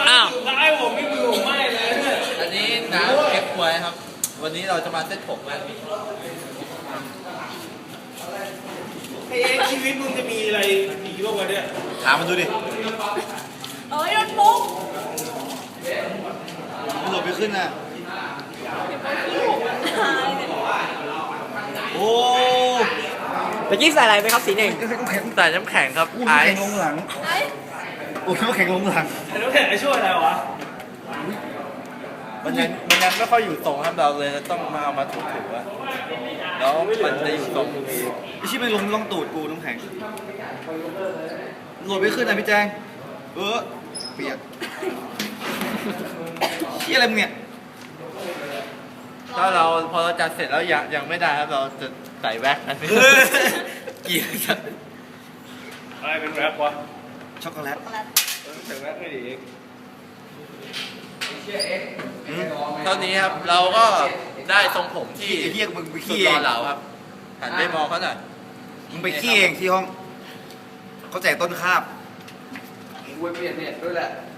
อ้าวท้ายผมนี่มือผมไหม้เลยอันนี้น้ำเก็บควยครับ วันนี้เราจะมาเซ็ตผมกันไอ้ชีวิตมึงจะมีอะไรอีกบ้างวะเนี่ยถามมันดูดิเอ้ยโดนปุ๊บมันโหลดไปขึ้นน่ะโอ้เมื่อกี้ใส่อะไรไหมครับสีหนึ่งใส่น้ำแข็งครับอุ้มไอแข่งซ์ลงหลังไอ้อุ้มแข่งลงหลังไอ้น้ำแข็งไอ้ช่วยอะไรวะมันยังไม่ค่อยอยู่ตรงครับเราเลยต้องมาเอามาถูๆอะแล้วมันจะอยู่ตรงนี้ไอ้ชิบไม่ลงล่องตูดกูน้ำแข็งโหลดไปขึ้นน่ะพี่แจงเปียกเชี่ยอะไรมึงเนี่ยถ้าพอเราจัดเสร็จแล้วยังไม่ได้ครับเราจะใส่แว็กกันเกลียดจัดอะไรเป็นแรปวะช็อกโกแลตใส่แรปไม่ดีเองเท่านี้ครับเราก็ได้ทรงผมที่ไอ้เหี้ยมึงไปสุดขี้หเอล่อง เหลาครับหันไปมองเขาหน่อยมึงไปขี้เองที่ห้องเขาแจกต้นคาบกูไปเปลี่ยนเน็ตด้วยแหละ